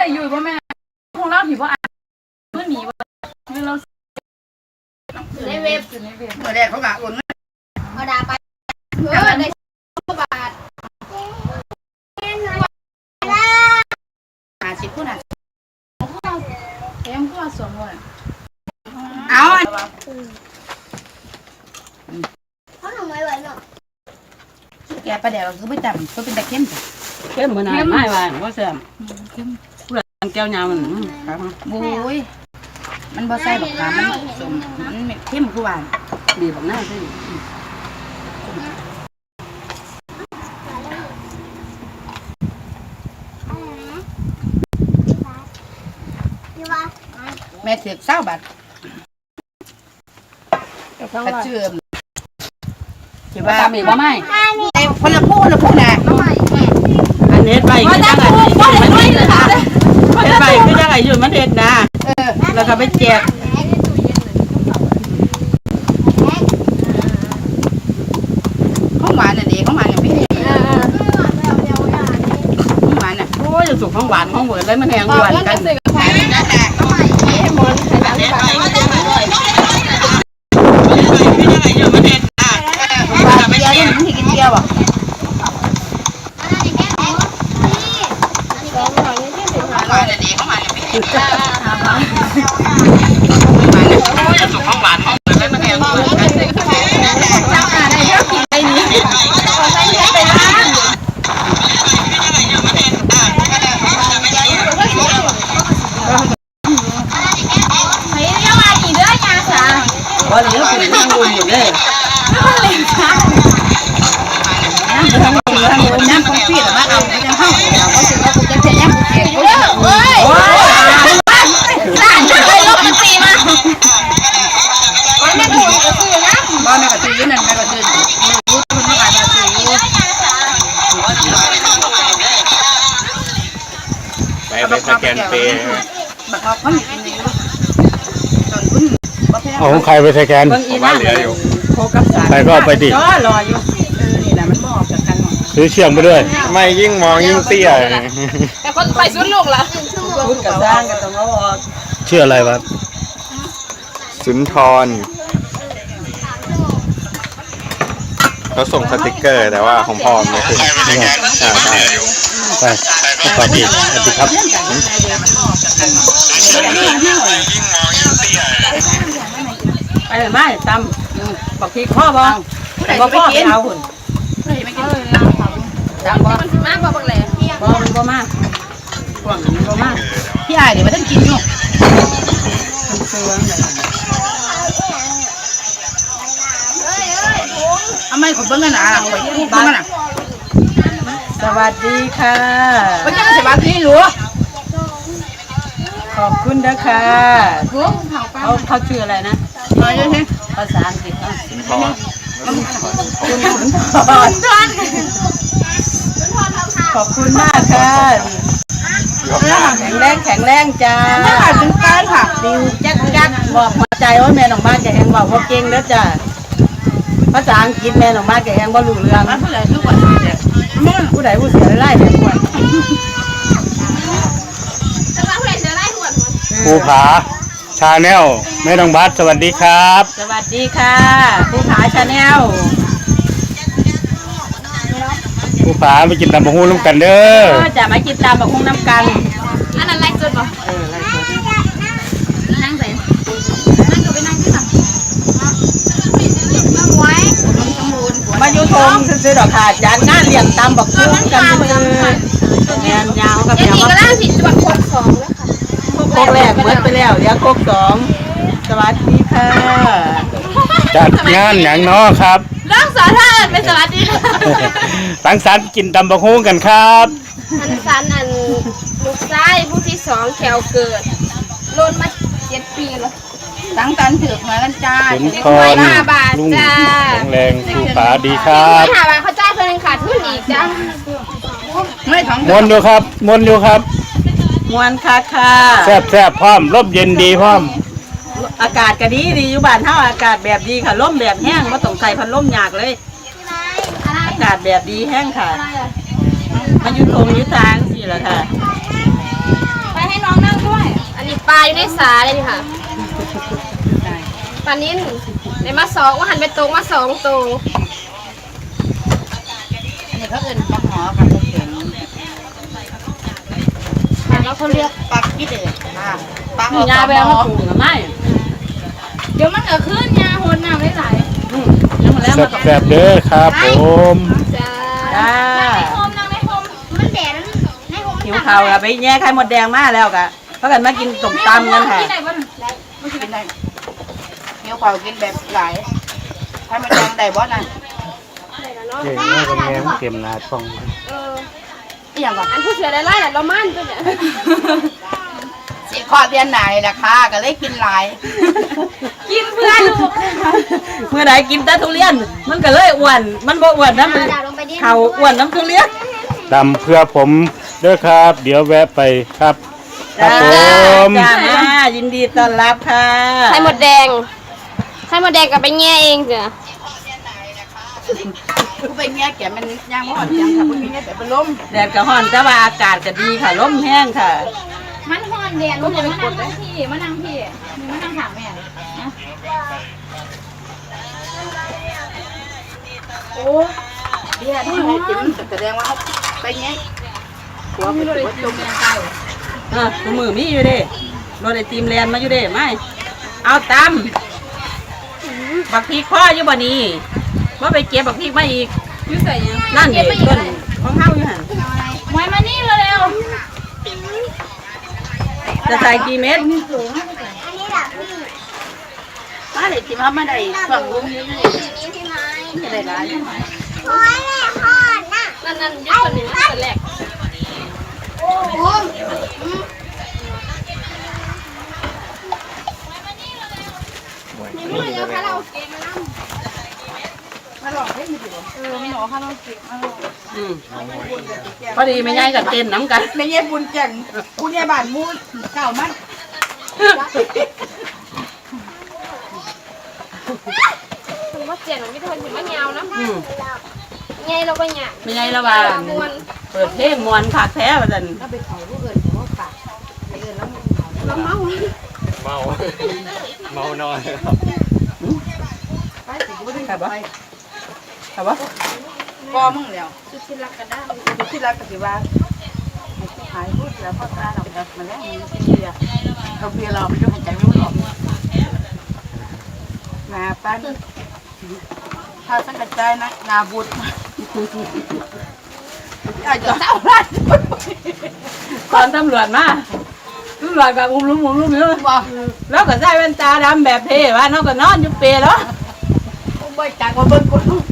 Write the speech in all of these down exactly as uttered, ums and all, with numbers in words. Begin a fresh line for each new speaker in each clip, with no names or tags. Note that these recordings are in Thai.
อยู่ป่ะแม่คงเล่าผีว่าเมื่อหนีว่าเมื่อเราในเว็บในเว็บเมื่อแรกเขากะอุ่นมาด่าไปเพื่อได้บาทหาสิบคนอ่ะแกมก็สองคนเอาเขาทำไมไว้เนาะแกประเดี๋ยวเราคือไม่จำเขาเป็นตะเข้ม
เข้มเหมือนอะไรไม่ว่าว่าแซ่บเพื่อนแก้วยาวมันครับ
โอ้ยมันบ่ใส่บักขามมันสมมันเข้มคือหวาน
ดีบักหน้าสิ
แม่เสียบเศร้าบัดกระเชื่อม
ถือว่าทำอีกว่าไม่
คนละพูดละพูดนะ
อันนี้ไปก็ยังไงมันเด็ดนะเด็ดไปก็ยังไงอยู่มันเด็ดนะแล้วก็ไปแจก
ข้าวหวานน่ะดีข้าวหวานอย่างพี่ข้าวหวานน่ะ
โอ้ยจะสุกของหวานของเหมือนเลยมันแหงหวานกันสุกของหวานของเหมือนเลยมันแหงหวานกัน
เจ้าอะไรเจ้ากินไอ้นี้ขอใส่เนื้อไปล้างไม่เรียกว่ากี่เดือนยาสา
วันนี้คุณนั่งดูอยู่เลย
ไม่ต้องเล่นช้าน้ำทั้งหมดทั้งหมดน้ำคงฟีดแต่ว่าเอาไม่จะเข้าเราก็ถือว่าคุณจะเสียน้ำเสียเยอะเว้ยหลานจะไปลบมันตีมาวันนี้ถูกกระตือนะบ้านแม่กระตือนั่นแม่กระตือรู้คุณไม่อาจจะตือ
ไปไปสแกนเปย์
บักเขาเขามีกินอยู่ตอนคุณ
เอาของใครไปสแกน
ผมว่าเหลืออยู่
โคกับสาร
ใครก็ไปดิ
รอรออยู่เออนี่แหละมันบอกจากกัน
ซื้อเชียงไปด้วย
ไม่ยิ่งมองยิ่งเตี้ย
แต่คนไปสุดลูกละ
พูดกับสร้างกันตรงนั้นว่า
ชื่ออะไรวะ
สุนทรเขาส่งสติกเกอร์แต่ว่าของพ่อไม่คืออ่าใช่
ไปต่อดีสวัสดีครับ
ไปเลยไม่ตำบอกพี่ข้อบ้างบอกพ่อไม่เอาหุ่น
จังบ่มันสิมากบ่บักแหล่
บ่มันบ่มากห่วงมันบ่มาก
พี่อายเดี๋ยวมาต้องกินอยู่ทำไมคนเบิ่งกันอ่ะไปพูดบ้างน่ะ
สวัสดีค่ะ
วันนี้สวัสดีหนู
ขอบคุณนะคะเขาเขาชื่ออะไรนะภาษาอังกฤษ
สุนทร
คุณสุนทรขอบคุณมากค่ะแข็งแรงแข็งแรงจ้า
ถึงการค่ะ
ดิวจักจักบอกหัวใจว่าแม่หนองบ้านแกแหงบอกว่าเก่งแล้วจ้าภาษาอังกฤษแม่หนองบ้านแกแหงบ่รู้เรื่อง
ผู้ใดทุกวัน
ผู้ใดผู้เสียไล่แบบคน
ภูผาชาแนลแม่น้องบัสสวัสดีครับ
สวัสดีค่ะภูผาชาแนล
ภูผาไปกินตำบักหุ่งน้ำกันเด้อ
จะมากินตำบักหุ่งน้ำกัน
อันนั้นไล่สดป่ะเออไล่สดนั่งใส่นั่งก็ไปนั่งที่สั่งไว้
มาอยู่ทงซื้อดอกขาดจานงานเลี้ยงตำบักหุ่งกันเลยแงนยาวกับยาว
ก็ล่างสิจังหวัดโคกสองแล้วค่ะ
โคกแรกเมื่อไปแล้วเดี๋ยวโคกสองสวัสดีค่ะ
จัดงานอย่างน้อครับ
ร่างสาธารณเป็นสวัสดี
ตั้งสรรกินตำบักหุ่งกันครับ
อันสันอันลูกชายผู้ที่สองแขวเกิดโลนมาเจ็ดปีแล้วตั้งตันถือมากันจ้า
สุนทร
ห้าบาทจ้า
แข็งแรงภูผาดีครับ
ห้าบาทเขาจ่ายเพิ่นขาดทุนอีกจ้าไม่ท้อง
มวนอยู่ครับมวนอยู่ครับ
มวนค่ะค่ะ
แซ่บแซ่บพร้อมร่มเย็นดีพร้อม
อากาศก็ดีดีอยู่บ้านเฮาอากาศแบบดีค่ะร่มแบบแห้งไม่ต้องใส่พัดลมยากเลยอากาศแบบดีแห้งค่ะมาอยู่ทงอยู่ทางสิล่ะค่ะ
ไป
ปลาอยู่ในสาเลยนี่ค่ะปลานิ่นในมาสองว่าหันไปตกมาสองตัว
อันนี้เขาเอิ้นปลาหอกับปลาเข็งแล้วเขาเรียกปลาขี้เดือดค่ะปลาห
มี
อ
ยาแววมาปลูกหรือไม่
เดี๋ยวมันก็ขึ้นยาโหดน้ำได้หลาย
ยังมาแล้วมาต้อง
แซ่บๆเด้อครับผม
จ้า
จ้า
โฮมนั่งในโฮมมันแดดในโฮม
หิวข้าวอะไปแย่ไข่หมดแดงมาแล้วกะเพราะกันมากินต้มตำกันค่ะ
ที่ไหนบ้าง
ไม่กินได้เนี้ยเขากินแบบหลายให้มันแดงได้บ่น่ะ
เก่งมากกับแม่เก็บหนาช่อง
เออ
อีหยังก่อน
อันผู้เสือได้ไล่แหละเรามั่นตัวเนี่ย
สิขอเดือนไหนล่ะค่ะก็เลยกินหลาย
กินเพื่อลูก
เมื่อใดกินแต่ทุเรียน มันก็เลยอ้วนมันบ่อ้วนนะมันเขาอ้วนน้ำทุเรียน
ดำเพื่อผมเด้อครับ เดี๋ยวแวะไปครับครับผม
จ้ามายินดีต้อนรับค่ะ
ไข่หมดแดงไข่หมดแดงกับไปแง่เองจ้ะ
กูไปเงี้ยแกมันย่างบ่อ่อนยังค่ะกูมีเงี้ยแต่เป็นลม
แดดก็ร้อนแต่ว่าอากาศก็ดีค่ะลมแห้งค่ะ
มันห่อนแดดมันจะมานั่งพี่มานั่งพี่มีมานั่งถามแม่นะโอ้
เดี๋ยวนี่ให้กินแสดงว่าเอาไปเงี้ยหัวมันหัวจมยังไง
เออตัวมือมีอยู่เด้รถไอติมแลนมาอยู่เด้ไม่เอาตำบักพริกพ่ออยู่บ่นี่ว่าไปเก็บบักพริกมาอีก
ยุ่ใส่ยัง
นั่นเด็ต้นของเฮาอยู่หั่น
มวยมานี่เร็ว
จะใส่กี่เม็ด
มาเลยจิ้มเขาไม่ได้ช่วงลุงนี่ไม่ได้หลาย
นั่นนั่นยุดตัวหนึ่งตัวแรก
มาลองให้มีดีเออไม่หนอค่ะเราเก็บมาลอง
อืมพอดีไม่ย้ายกับเต้นน้ำกัน
ในเงี้ยบุญแก่งบุญใหญ่บ้านมูลเก่ามัน
ถึงว่าเจียนมันไม่ทนถึงว่ายาวนะ
อืม
ไงเราก็หยาบ
ไม่ย้ายละว่า
มวน
เปิดเพลงมวนคักแท้ว่าซั่น
ถ้าไปเขาลูกเอิญเขาปากไปเอิญแล้วมันเขา
เราเมา
เมา เมานอน
ไปสิบุญได้
ครับ
ไป
บ่ครับบ่
กอมึงแล้ว
สุดที่รักกันได้
ที่รักปฏิบัติหายพูดแล้วพ่อตาเราแบบมาแล้วมันเบียร์เราเบียร์เราไม่ต้องใจไม่หรอกนาปั้นถ้าสังกัดใจนะนาบุตรอยากจะเศร้าร้าน
ตอนตำรวจมาตำรวจก็อุ้มลุ้มอุ้มลุ้มอยู่
บอก
แล้วก็ใส่แว่นตาดำแบบเท่ว่าเนาะก็นอนอยู่เปรแล้ว
บ่จากว่าเบิ่งคนลูก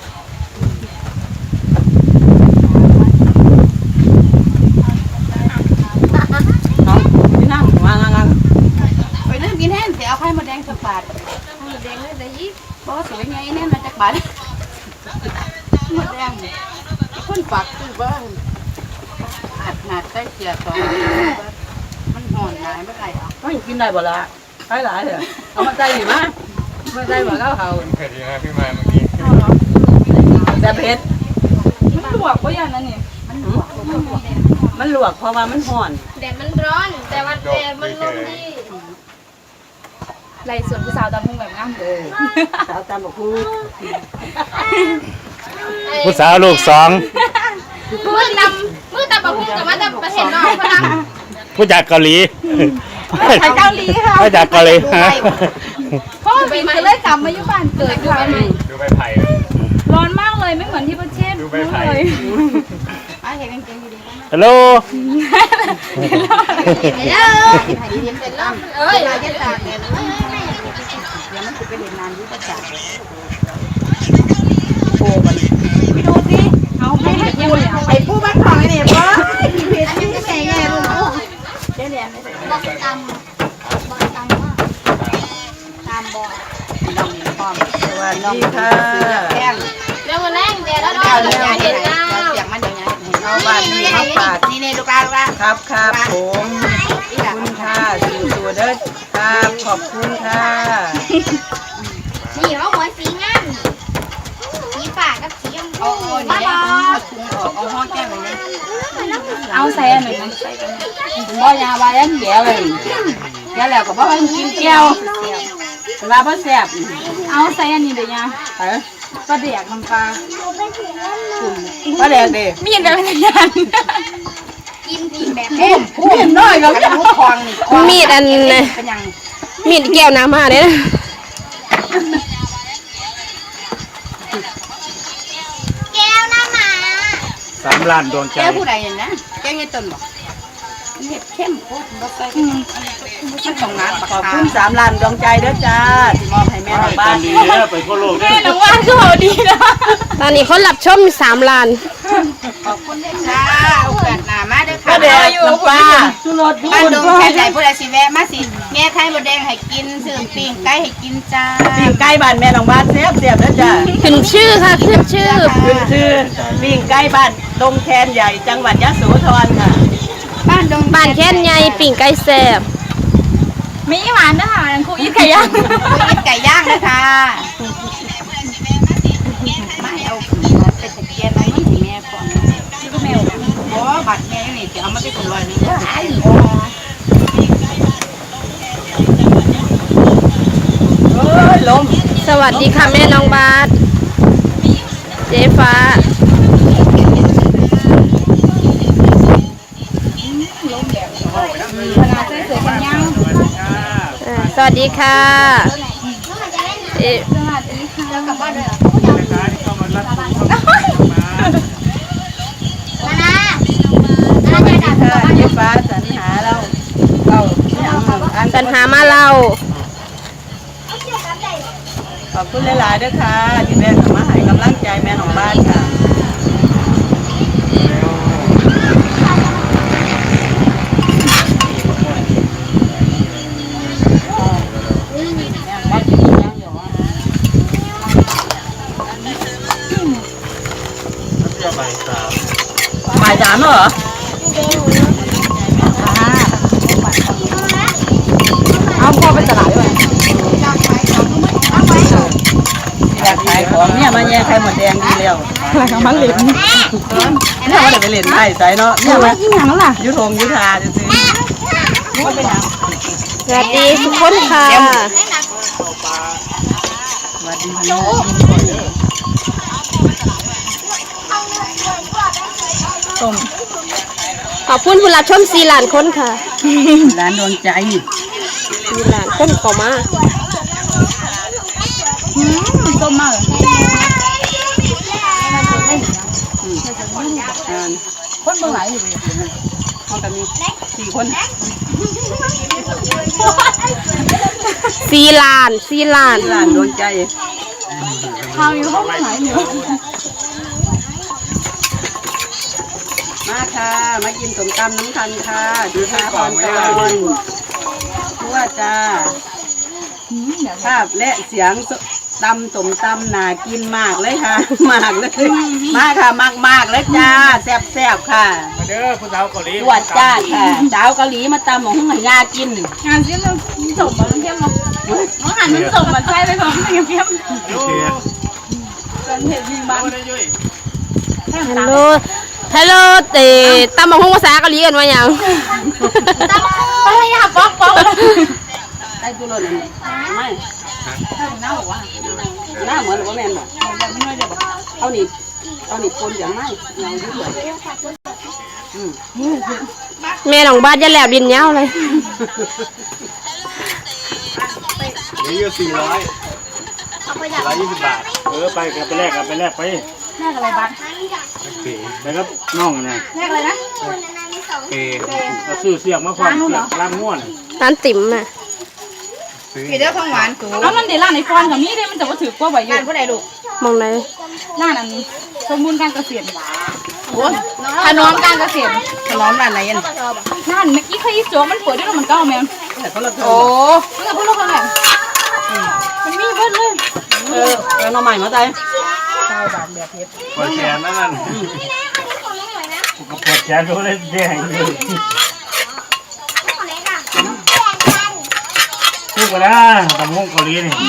น้องที่นั่งวางงัง
ไปนั่งกินแห้งเสียเอาไข่มาแดงสักบาท
หมดแดงเลยแต่ยี่
บ่สวยไงแน่มาจากบาทมาแดงคนฝากซื้อบ้างอาดหนาดใส่เสียสองมันห่อนหลายไม่ไรอ่ะ
ก็ยังกินได้บ่ละหลายหลายเลยเอามาใส่ดิมามาใส่บ่แล้วเขา
เผ็ดดีนะพี่มาเมื่อกี้
แต่เผ็ด
มันลวกก็อย่างนั้นนี่
มันลวกเพราะว่ามันห่อน
แดดมันร้อน แต่ว่าแดดมันลมดีไรส่วนผู้สาวตามพุ่งแบบงามเลย
สาวตามบอกคู
ผู้สาวลูกสอง
มือตำมือตำแบบพุ่งกับว่าตำประเทศนอกพลัง
ผู้จากเกาหลี
ไปเกาหลีค่ะ
ผู้จากเกาหลีฮะ
พ่อบินก็เลยกลับมาอยู่บ้านเกิดค่ะ
ดูใบไผ่
ร้อนมากเลยไม่เหมือนที่ประเทศ
ดูใบไผ่
ไอ้เห็นกางเกงดี
ฮัลโหล
ๆเด้อเห็นหายยิ้มเป็นล่ำ
เอ้ย
ลายยันตาเนี่ยเดี๋ยวมันจะไปเห็นนานยุ่งจัดโอ้มันไปดูสิเอาให้ให้พูดไอ้ผู้บ้านของไอ้เนี่ยป้าพี่เพชรพี่แม่แง่ลูกเดี๋ยวเนี่ยบอกตามบอกตามว่าตามบอกน้องพร้อม
สวัสดีค่ะ
แก้ม
เรื่องมันแรงแดดแล้ว
เดี๋ยว
เนาะ
เดี๋ยว
เห็น
เดี๋ยว
แล้ว
เสียงมันเดี๋ยวนี้
เอาบ้านนี้มาฝาก
นี่เนี่ยลูกลาลูกลา
ครับครับผมขอบคุณค่ะสู่ตัวเด้อครับขอบคุณค่ะ
นี่เขาหัวสีงามสีฝากับสีชมพู
เอาเอาเนี่ยเอาถุงออกเอาห้องแก้มเลย
เอาใส่อันหนึ่ง
ใส่กัน
บ่ยาว่ายังแก่เลยแก่แล้วก็บ่ให้กินแก้วว่าบ่แซ่บ
เอาใส่อันนี้เดี๋ยวยา
เออ
ปลาเดียกน้ำปลา
ปลาแดงเด้
มีดแบบนี้ยัน
พูดพูดน้อยก็จะคองนี่
มีดอัน
เป็นยัง
มีดแก้วน้ำมาเนี่ย
สามล้านดวงใจ
แก้ผู้ใดเนี่ยนะแก้เงี้ยต้นบ่เห็ดเข้มโคตรบ่ใส่มันต้องงานขอบคุณสามล้านดวงใจเด้อจ้าที่มอบให้แม่ทางบ้าน
ดีเด้อไปทั่วโลกเด้อ
แม่น้องว่านก็เอาดีนะ
ตอนนี้คนรับชมสามล้าน
ขอบคุณด้วยจ้าโอกาสหน้ามาเด้อค่ะ
ปลาเดียกอยู่ปลา
สุรสบ้านดงแค่ไหนผู้ใดสิแวะมาสิแม่ไข่มดแดงให้กินซื้อปิ้งไก่ให้กินจ้าปิ้งไก่บ้านแม่น้องบ้านแซ่บแซ่บเด้อจ้า
ขึ้นชื่อค่ะขึ้นชื่อ
ขึ้นชื่อปิ้งไก่บ้านดงแคนใหญ่จังหวัดยะโสธรค่ะบ้านดง
บ้านแค่นใหญ่ปิ่งไก่แซ่บ
มีหวานนะคะครูอีทไก่ย่าง
กินไก่ย่างนะคะไม่เอาไปตะเกียบเอามันให้แม่ก่อนก็แมวโอ้บัตรแม่นี่จะเอามาไปส่งรอยนี่เด้อเอ้ยลม
สวัสดีค่ะแม่น้องบาสเจ๊ฟ้าอ่าสวัสดีค่ะเอ๊ะ
เจ๊ฟ้าสรรหาเราเราอัน
สัญหามาเรา
ขอบคุณหลายๆด้วยค่ะที่แม่มาให้กำลังใจแม่ของบ้านค่ะบ่ายสามเหรอเอาพ่อไปตลาดด้วยอยากขายของเนี่ยมาแย่ไข่หมดแดงดีแล้วอะไรของมันเหล็กเนี่ยว่าเดี๋ยวไปเล่นไข่ใส่เนาะเนี่ยว่ายิ่งหยังล่ะยุทงยุทาจะซื้อ
สวัสดีทุกคนค่ะ
สวัสดีค่ะต้ม
ขอบคุณผู้รับชมสี่ล้านคนค่ะ
ร้านดวงใจ
สี่ล้านคนเข้ามา
ต้มมากเลย
คนเมืองไหนอยู่ห้องกันมีสี่คน
สี่ล้านสี่ล้าน
ร้านดวงใจ
ข้าวอยู่ห้องไหนเนี่ย
มาค่ะมากินสมตำน้ำคันค่ะดูท่าพรตะวันทั่วจ้าภาพและเสียงตำสมตำน่ากินมากเลยค่ะ มากเลยมาค่ะมากมากเลยจ้าแซ่บแซ่บค่ะ
มาเด้อผู้สาวเกาหลี
ตรวจจ้าค่ะสาวเกาหลีมาตำหมองให้ยากิน
งานเสี้ยมเราส่งมาเข้มเนาะน้องหันมันส่งมาใช่เลยผมเข้มเข้ม
โอ้ย
กันเห็ดมีบ้าน
ฮัลโหลฮัลโหลเตตำบักหุ่งภาษาเกาหลีกันว่าหยัง
อะไรอะป๊อกป๊อก
ได้ตัวรถนี่ไม่หน้าเหมือนหรือว่าแมนบอกเอาหนีเอาหนีปนอย่างไม่เงายุ่งเลย
แม่น้องบาสจะแหลบดินเหย้าเลย
นี่อยู่สี่ร้อยร้อยยี่สิบบาท
เออไปกันไปแลกกันไปแลกไป
แรกอะไรบ้าง
ไปครับน้องนะ
แรกอะไรนะ
เอ
เราซื้อเสียงมาความเสียงร้านง่วน
ร้านติ๋มอ่ะ
พี่เด้อของหวานสูง
แล้วมันเดี๋ยวร้านในฟอนกับมีได้มันจะว่าถือกว่าใบอยู่
ร้านผู้ใดลูก
มองไหน
ร้านอันนี้สมบูรณ์การเกษตรโอ้ถนอมการเกษตร
ขนมร้านไหนยัน
ร้านเมื่อกี้เคยโจ๊กมันเปิดด้วยมันเก้าแมว
แต่เขาเรา
โอ้มันกับพวกเราคนไหนมันมีเบิดเลย
เออเออมาใหม่มาใจ
ปวดแขนนั่นนั่น
ก็ปวดแขนก็เลยแดงเลยทุกคนนะตำห้องเกาหลีนี่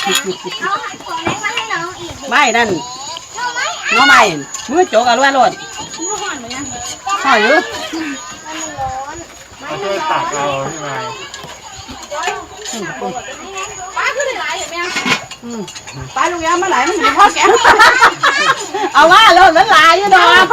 ไม่นั่นน้องใหม่มือโจกเอาล้วนรถห่ออยู่
เขาช่วยตักเอาใช่ไหม
ป้าขึ้นได้หลายเห็นไหม
ไปลูกยามาไหลมันอยู่พ่อแกเอาว่าเราละลายอยู่ดอก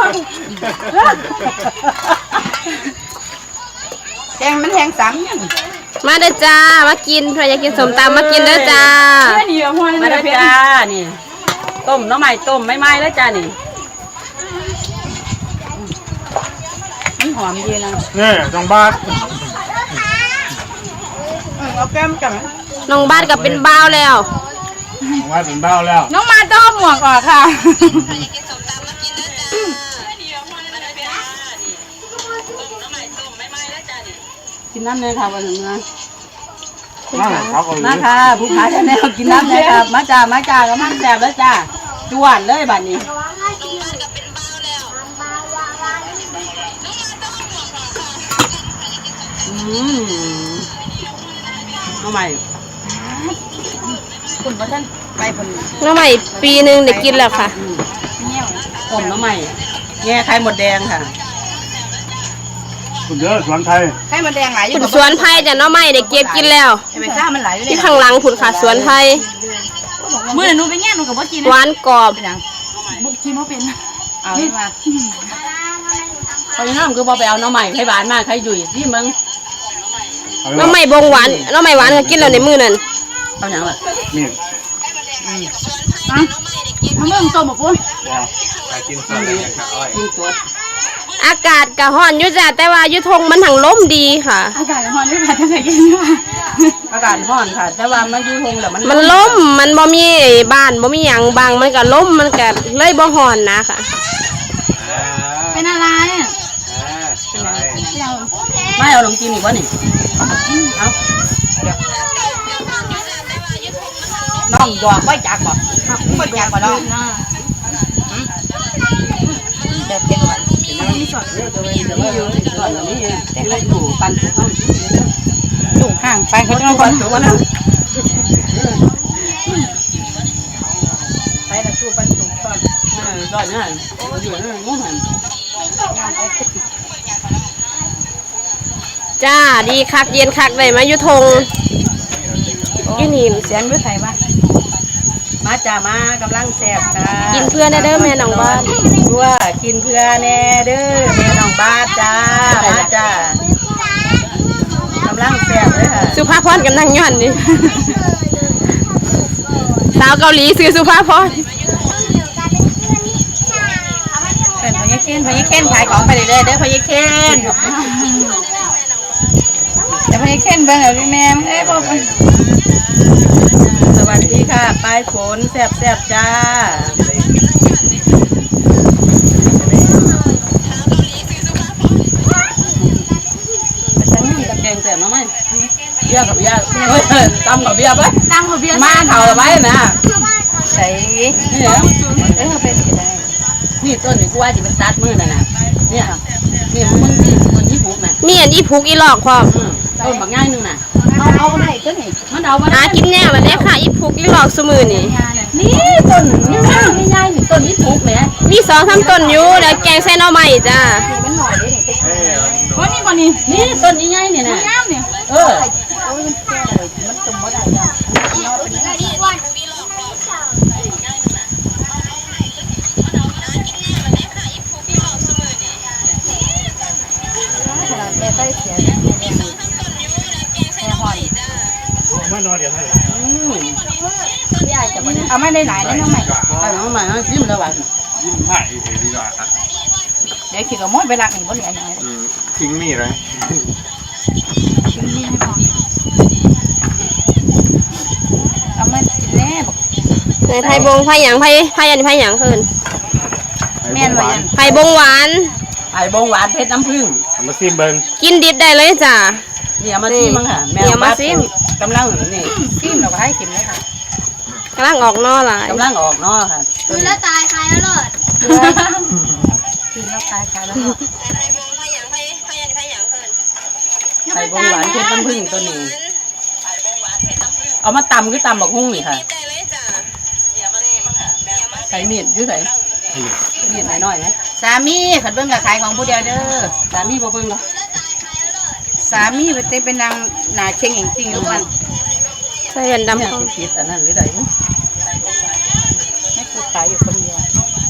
แกงมันแทงสังยัง
มาเด้อจ้ามากินใครอยากกินสมตำมากินเด้อจ้า
มาแล้วจ้านี่ต้มน้ำใหม่ต้มไม่ไหม้แล้วจ้านี่มันหอมดีนะ
นี่จังบาท
เอาแก้มกันไหม
น้องบ้านก็เป็นบ้าวแล้ว
จังบาทเป็นเบ้าแล้ว
น้องมาต้องหมวกออกค่ะ
กินน้ำเลยค่ะวันหนึ่งนะ
นั่งเขาเอา
มาค่ะผู้ขายแนวกินน้ำเลยครับมาจ้ามาจ้าก็มันแซ่บแล้วจ้าจวนเลยบัดนี้อืมน้องใหม่คุณว่าท่านไปคน
น้องใหม่ปีหนึ่งได้กินแล้วค่ะ
ต้มน้องใหม่แง่ไข่หมดแดงค่ะ
คุณเยอะสวนไทย
ไข่มันแดงหลายอยู่
ผุนสวนไผ่จ้ะน้องใหม่ได้เก็บกินแล้ว
ไอ้ใบซ่ามันไหลอยู่
ที่ข้างหลังผุนค่ะสวนไผ่
เมื่อหนูไปแง่หนูกับว่ากิน
หวานกรอบ
เป็นยังบุกกินว่าเป็นเอามา
เพราะฉะนั้นคือพอไปเอาน้องใหม่ไข่หวานมาไข่ยุ่ยที่มึง
น้องใหม่บงหวานน้องใหม่หวานก็กินแล้วในมือนั่น
เอาอย่างไร
นี่
อ่ะทำเรื่องต้มหมกปุ้น
ว้า
กินสดเลยครับอ้อย
กินสด
อากาศก็ร้อนอยู่จ้ะแต่ว่าอยู่ทงมันถังลมดีค่ะ
อากาศร้อนด้วยค่ะจะใส่กินว่า
อากาศร้อนค่ะ แต่ว่ามันอยูทงแล้วมัน
มันลมมันบ่มีบ้านบ่มีหยังบางมันก็ลมมันก็เลยบ่ร้อนนะค่ะ
เป็นอะไร
ไม่เอาลงกินอีกวะนี่เอาน้องหยอกไว้จักบ่ไม่จักบ่น้องเด็ดเด็ดวันนี่สดเดี๋ยวเดี๋ยวอยู่สดแบบนี้แต่ก็อยู่ปันถูกต้อง
อยู่ห่างไปเขาจะ
ปั
คน
นถูกวะนะไปละตู้ปันถูกตอนตอนนั้นอยู่นั่นงูหัน
จ้าดีคักเย็นคักได้มาอยู่ทงอยู่นี่
เสียงด้วยไทยมา
มาจ้ามากำลังแซ่บค่ะ
กินเพื่อนได้เด้อแม่น้องบ้าน
ตัวกินเพื่อแน่เด้อแม่น้องบ้านจ้ามาจ้ากำลังแซ่บเลยค่ะ
สุภาพรกำลังย้อนนี่ สาวเกาหลีซื้อสุภาพร
เป็นพญาเคนพญาเคนขายของไปเรื่อยๆเด้อพญาเคนเดี๋ยวพญาเคนเบิ่งเอาพี่แม่เอ้ยบอก
สวัสดีค่ะปลายฝนแซ่บแซ่บจ้าแกงแซ่บน้องไหมเบียร์กับเบียร์เฮ้ยตำกับเบียร์ไป
ตั้งเขาเบียร์
มาเข่าไว้นะ
ใส่
นี่เหรอ
เออเป็นยังไง
นี่ต้นนี่กูว่าจะเป็นตัดมือน่ะนะเนี่ยนี่มึงนี่ต้นนี้ปลูกน่ะ
มีอันอีพุกอีหลอกพร้อม
ต้นบางง่ายนึงน่ะ
เอาเอาไหนตัวไหน
มันเอามา
หากินแน่วันนี้ค่ะอีพุกอีหลอกสมือนี่
นี่ต้นนี่ง่ายนี่ง่ายนี่ต้นนี้ปลูกแหม
มีสองสามต้นอยู่แล้วแกงใส่หน่อไม้จ้า
มันหน่อยดิ
เอ้ย
เพราะนี่วันนี้
นี่ต้นนี้ง่ายนี่นะ
งามเนี่ย
เออ
โอ้ยมันแก่เลยมันตุ่มบ่ได้แล้ว
ไม่นอนเดี๋ยวให้
อืม
เอาไม่ได้หลายแล้วน้องใหม่
เอาน้องใหม่เอาซิมแล้วว่ะ
ยิ้มให้เฉยดีกว่า
เดี๋ยวขี่กับมดไปรักหนึ่งบ่เหลืออย่างไร
อืมทิ้งมีดเลย
เอามากินแน่บอก
ในไผ่บงไผ่หยังไผ่ไผ่อันนี้ไผ่หยังคืน
แม่นว่ายัน
ไผ่บงหวาน
ไอ้บงหวานเพชรน้ำผึ้ง
เอามาซิมเบิ้ง
กินดิบได้เลยจ้า
นี่เอามาซิมมั้งค่ะแม่
นี่เอามาซิม
กำลังนี่
ซิมเราก็ให้กินเลยค่ะ
กำลังออกนอหลาย
กำลังออกเนาะค่ะต้น
แล้
นี้
วตายใครแล้วเลิศ
กินแล้วตายตายแล้ว
ไอ้บงหวานเพชรน้ำผึ้งตัวนี้เอามาตำคือตำบักหุ่งนี่ค่ะใส่มีดอยื้อใส่มีดหน่อยๆนะ
สามีขัดเบิ้งกับขายของผู้เดียวเด้อ
สามีบ่เบิ่งหรอก
สามีไปเต้เป็นนางหนาเชียงจริงๆทุกวัน
ใส่แว่นดำ
เนี่ย
เข้า
คิดอันนั้นหรือไง
แม่คือขายอยู่คนเดียว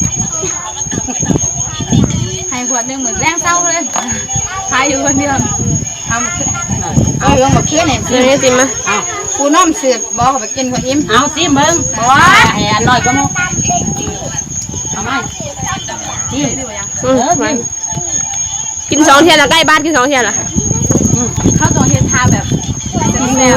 ให้ขวดหนึ่งเหมือนแรงเศร้าเลยขายอยู่คนเดียว
เอามาขึ้นเอาลงมาขึ้นเนี่ย
เดี๋ยวนี้ติมา
เอา
ปูน้อมเสือบอกเขาไปกินคนอิ่ม
เอาสิมึงบอให้อร่อยก็มั้งเอาไหมจิ้ม
อืมมากินสองเทียนละใกล้บ้านกินสองเทียนละ
เข้าตัวเฮ็ดทาแบบ
อืม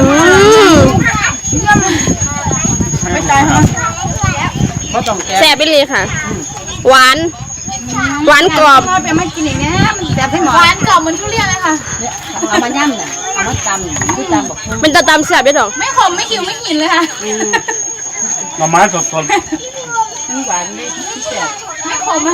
ไม่ใจเหรอ
ก็ต้องแกะ
แซ่บไปเลยค่ะ หวาน หวานกรอบ
พ่อไปมากินอย่างนี้มันแซ่บให้หมอ
หวานกรอบเหมือนทุเรียนเลยค่ะ
เนี่ยเอามาย่ำน่ะเอามาตำคือตำบอกเพิ่ม
เป็นตะตำแซ่บได้ดอก
ไม่ขมไม่ขิวไม่หินเลยค่ะ
มาม้าสด
มันหวานเลยที่แซ่บ
ไม่ขมอ่ะ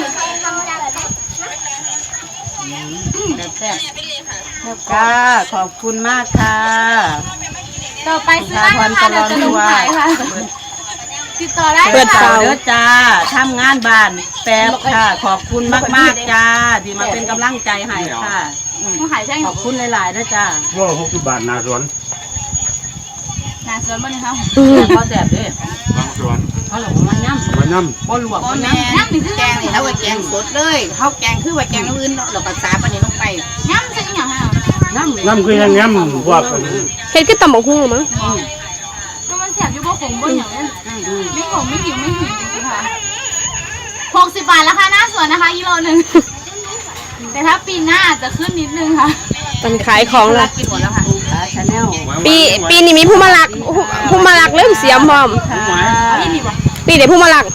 แซ่บค่ะขอบคุณมากค่ะ
ต่อไปซื้อได้นะคะเดี๋ยวจะลงขายค่ะติดต่อได้
เปิด
ค่ะ
เตา
เด้อจ้าทำงานบ้านแป๊บค่ะ ขอบคุณมากๆจ้าที่มาเป็นกำลังใจให้ค่ะ
มาขายแช่ง
ขอบคุณหลายๆนะจ้า
ๆว่าหกสิบบาทนาสวน
นาสวนบ้านนี้ค่ะ
พอแซ่บเด้อบ
างส่วน
เขาหลงมาย่ำ
มาน้
บ่ลวก
พ่อ
บ่
แม่
ย่ำ
แกงนี่เขาก็แกงสดเลยเขาแกงคือว่าแกงอื่นเราภาษาปานนี้ลงไป
ย่ำใช่ยังไง
ย่ำ
ำน้ำคือยังย้ำพวกอันนี้
เฮ็ดคือตำบักหุ่งมั้ง
ก็มันแสบอยู่บ่ขมบ่อย่างนั้นไม่ขมไม่หิวไม่หินจริงๆค่ะหกสิบบาทราคาหน้าสวนนะคะกิโลหนึ่งแต่ถ้าปีหน้าจะขึ้นนิดนึงค่ะ
มันขายของละ
กินหมดแล้วค่ะ
ขาชาแนล
ปีปีนี้มีผู้มาลักผู้มาลักเริ่มเสียมพร้อม
นี่ดีกว่า
ปีเดี๋ยวผู้มาลัก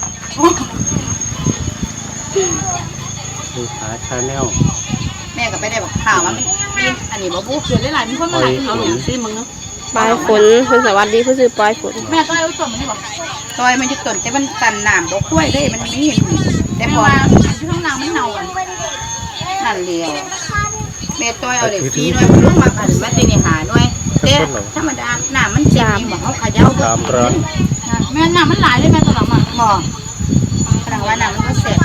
คือขาชาแนล
แม่ก็ไปได้บอกข่าวว่ามันปีนอันนี้บ่บุก
เกิดได้หลายมีคนมาหลาย
เอาหลงซิมึงเนาะ
ปลายฝนเพิ่นสวัสดีผู้ซื้อปลายฝน
แม่ต้องเอาตัวมันดีกว่า
ซอยมันจะต้นแต่มันตันน้ำดอกกล้วยเลยมันไม่เห็นแต่
แม่
พอ
ว่าที่ท้องนางไม่เน่าอ่ะ
นั่นเดียวแม่ต้อยเอาเด็กซีหน่วยลูกมาผ่านมาตีนี่หาหน่วยเต้ธรรมดาน้ำมันเจ็บนี่บอกเขาขย้าเบิ
สาม
ด
ร้อย
แม่น้ำมันหลายเลยแม่ตอนหลังอ่ะ
บอกแสดงว่าน้ำมันก็เสร็จ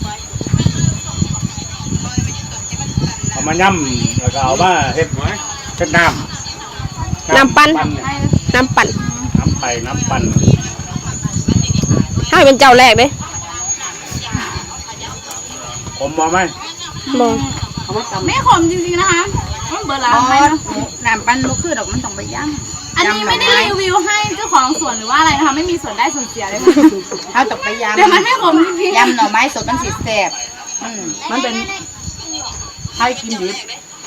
เอามาย่ำแล้วก็เอามาเฮ็ดเฮ็ดน้ำ
น้ำปั่น
เนี่ย
น้ำปั่น
น้ำไปน้ำปั่น
ให้เป็นเจ้าแรกเด้
ผมมองไหม
บ่
เอามาตำ
ไม่ขมจริงๆนะคะมันเบอร์ร้า
บ
นไหม
อ
นะ
น้ำปั้นลูกคือดอกมันต้องไปย่ำ
อันนี้ไม่ได้รีวิวให้เจ้าของสวนหรือว่าอะไรนะคะ ไม่มีส่วนได้ส่วนเสียเลยค่ะ
เขาต้องไปย่ำ
แต่มันไม่ขมจริงๆ
ยำหน่อไม้สดมันสีแสบอืม
มันเป็นไข่กินดิบ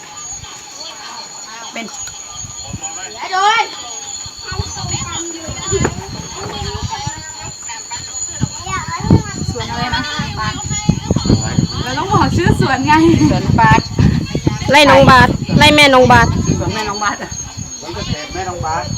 เป็น
โดยสวนอะไรนะเราต้องบอกชื่อสวนไง
สวนปาด
ไล่น้องบาทไล่แม่น้องบาท
ส่วนแม่น้องบาสอ่ะ
มันก็แถมแม่น้องบาส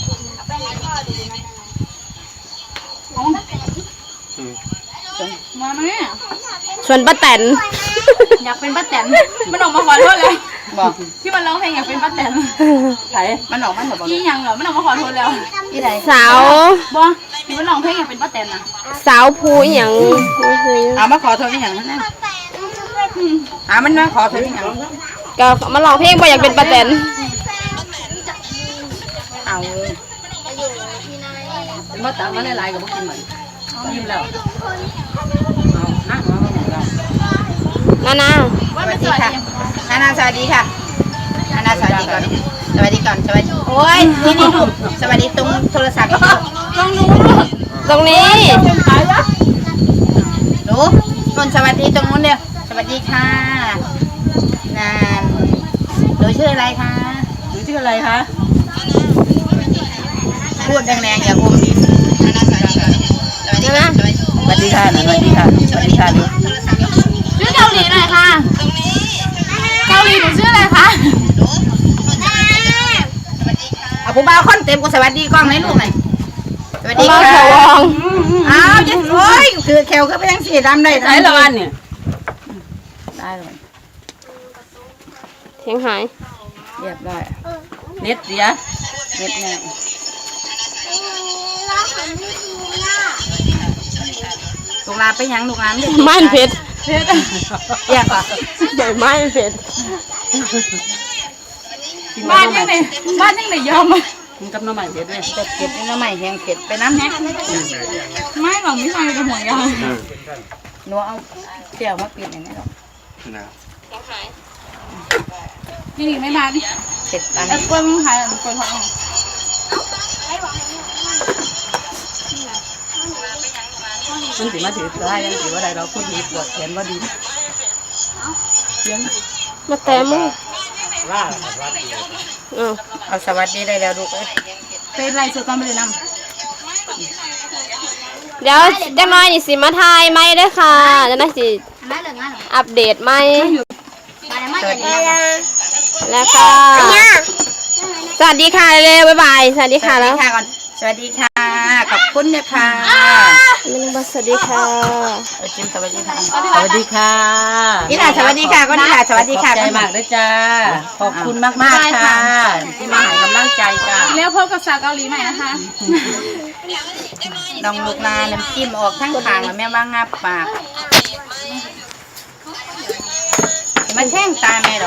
มาไหมเนี่ย
ส่วนป้าแตน
อยากเป็นป้าแตนมันออกมาขอโทษเลย
บอก
ที่มันร้องเพลงอยากเป็นป้าแตน
ไข่
มันออกมันบอก
ยี่ยังเหรอมันออกมาขอโทษแล้ว
ที่ไหน
สาว
บอที่มันร้องเพลงอยากเป็นป้าแตนนะ
สาวภูอหย่างบ่เคย
เอามาขอโทษอย่างนั้นนะหามันมาขอโทษอย่างนั้น
ก็มาลองเพลงบ่อยากเป็นป้าแตน
เอา
เป็นว่าตำมาหลายๆกับพวกกินเหมือนยิ้มแล้วเอานั่งเอาไปไหนเรา
นานา
สวัสดีค่ะนานาสวัสดีค่ะนานาสวัสดีก่อนสวัสดีก่อนสวัสดีโอ้ยนี่นี่ลูกสวัสดีตรงโทรศัพท์
ลองดู
ตรงนี้
หนูคนสวัสดีตรงนู้นเดียวสวัสดีค่ะนานหนูชื่ออะไรคะ
หรือชื่ออะไรคะ
พูดแรงๆอย่าอมดินนานาสวัสดีก่อนสวัสดีค่ะสวัสดี
สวัสดีค่ะหน่อยสวัสดีค่ะสวัสดีค่ะดู
ชื่อเกาหลีหน่อยค่ะเกาหลีหนูชื่ออะไรคะ
เอาผู้บ่าวคนเต็มกูสวัสดีกล้องไหนลูกหน่อยสวัสดี
มา
ค่ะ
ขอวอง
อ้าวเจ๊โอ้ยคือแขวก็ไปยังสีดำได้
ใช้ละวันเนี่ยได้เลย
เสียงหาย
เรียบร้อย
เน็ตเสีย
เรียบร้อยลูกลาไปยังลูกลาไม่ได้
ไม้เพชร
อยากอ่ะ
ใบไม้เพชร
กิน
บ้าน
น้ำ
ยัง
ให
ไหน
ม่
บ้านยังไหนยอมอ่ะ
กินกับน้ำใหม่เผ็ดด้วย
เป็ดเผ็ดน้ำใหม่แห้งเผ็ดไปน้ำแห้ง
ไม่หรอกไม่ใช่แต่หัวยาง
อืม
หนูเอาเจียวมาปิดอย่างนี้หรอก
นะ
นี่นี่ไม่บ้าน
เผ็ดอัน
แอ
นี้
ปเปิ้ลมึงขายแอปเปิ้ลทอด
มันสิมาถือได้ยังถือว่าใดเราพูดดีปวดแขนว่าดีเสียง
มาแต่มึง
ล่าล่าดี
อือ
เอาสวัสดีได้แล้วลูกเอ้ย
เป็นไรสุดก่อนไปเลยน
เดี๋ยวจักหน้อยนี่สิมาทายไหมเด้อค่ะจะได้สิ
ำไม่เหลืองานหรอ
อัปเดตไหม
ไปไม่อย่างนี้
แล้วค่ะสวัสดีค่ะเร็วบ๊ายบายสวัสดี
ส
ค่ะ
วัส
แล้
ดี
ว
ค่ะก่อนสวัสดีค่ะขอบคุณนะคะ
ไม่ต้องบอกสวัสดีค่ะ
เอาจิ้มสวัสดีค่ะ
สวัสดีค่ะ
นี่ล่ะสวัสดีค่ะก็นี่ล่ะสวัสดีค่ะ
ขอบใจมากด้วยจ้าขอบคุณมากมากๆค่ะที่มาให้กำลังใจจ้า
แล้วพบกับสาวเกาหลีใหม่นะคะ
น้องลูกนาน้ำจิ้มออกทั้งทางแล้วแม่ว่างับปากมาแท่งตาแม่หรอก